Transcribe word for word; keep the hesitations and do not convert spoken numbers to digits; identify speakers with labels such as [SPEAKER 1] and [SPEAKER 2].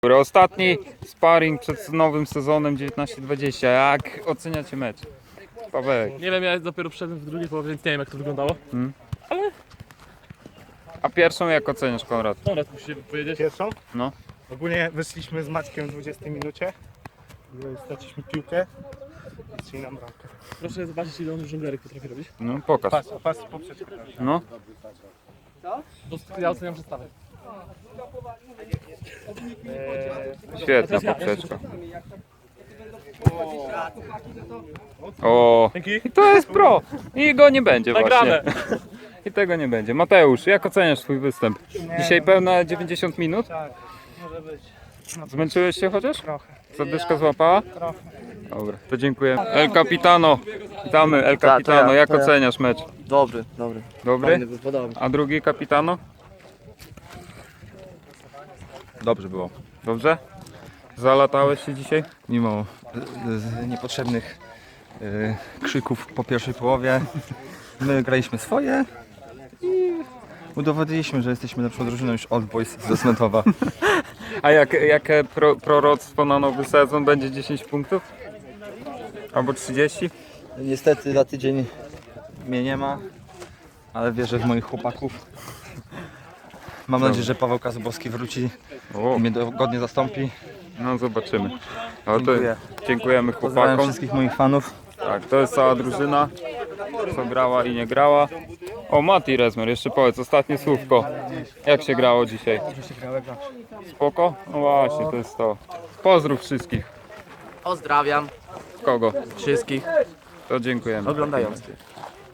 [SPEAKER 1] Dobra, ostatni sparring przed nowym sezonem dziewiętnaście dwadzieścia. Jak oceniacie mecz? Pawełek.
[SPEAKER 2] Nie wiem, ja dopiero wszedłem w drugiej połowie, więc nie wiem jak to wyglądało.
[SPEAKER 1] Hmm?
[SPEAKER 2] Ale
[SPEAKER 1] A pierwszą jak oceniasz, Konrad?
[SPEAKER 2] Konrad musi powiedzieć.
[SPEAKER 3] Pierwszą?
[SPEAKER 1] No.
[SPEAKER 3] Ogólnie wyszliśmy z Maćkiem w dwudziestej minucie. Straciliśmy piłkę i strzeli nam bramkę.
[SPEAKER 2] Proszę zobaczyć, ile on żonglerek potrafi robić.
[SPEAKER 1] No pokaż.
[SPEAKER 3] Pas, pas poprzeczkę.
[SPEAKER 1] No.
[SPEAKER 2] To ja oceniam przestawę.
[SPEAKER 1] Świetna poprzeczka. O,
[SPEAKER 2] Dzięki.
[SPEAKER 1] i to jest pro. I go nie będzie
[SPEAKER 2] Nagrane.
[SPEAKER 1] właśnie. I tego nie będzie. Mateusz, jak oceniasz swój występ? Dzisiaj pełne dziewięćdziesiąt minut?
[SPEAKER 3] Tak, może być.
[SPEAKER 1] Zmęczyłeś się chociaż?
[SPEAKER 3] Trochę.
[SPEAKER 1] Zadyszka złapała?
[SPEAKER 3] Trochę.
[SPEAKER 1] Dobra, to dziękuję. El Capitano. Witamy, El
[SPEAKER 4] to ja,
[SPEAKER 1] Capitano. Jak
[SPEAKER 4] to ja.
[SPEAKER 1] oceniasz mecz?
[SPEAKER 4] Dobry, dobry.
[SPEAKER 1] Dobry?
[SPEAKER 4] Fajny, podoba mi się.
[SPEAKER 1] A drugi Capitano?
[SPEAKER 5] Dobrze było.
[SPEAKER 1] Dobrze? Zalatałeś się dzisiaj?
[SPEAKER 5] Mimo y, y, niepotrzebnych y, krzyków po pierwszej połowie, my graliśmy swoje i udowodniliśmy, że jesteśmy lepszą drużyną niż Old Boys z Smentowa.
[SPEAKER 1] A jak, jakie pro, proroctwo na nowy sezon? Będzie dziesięć punktów? Albo trzydzieści?
[SPEAKER 5] Niestety za tydzień mnie nie ma, ale wierzę w moich chłopaków. Mam nadzieję, że Paweł Kazubowski wróci
[SPEAKER 1] O,
[SPEAKER 5] i mnie godnie zastąpi.
[SPEAKER 1] no zobaczymy. No to
[SPEAKER 5] Dziękuję.
[SPEAKER 1] dziękujemy
[SPEAKER 5] Pozdrawiam
[SPEAKER 1] chłopakom.
[SPEAKER 5] wszystkich moich fanów.
[SPEAKER 1] Tak, to jest cała drużyna, co grała i nie grała. O, Mati Rezmer, jeszcze powiedz ostatnie słówko. Jak się grało dzisiaj? Spoko? No właśnie, to jest to. Pozdrów wszystkich.
[SPEAKER 4] Pozdrawiam
[SPEAKER 1] Kogo?
[SPEAKER 4] wszystkich
[SPEAKER 1] To dziękujemy.
[SPEAKER 4] oglądających.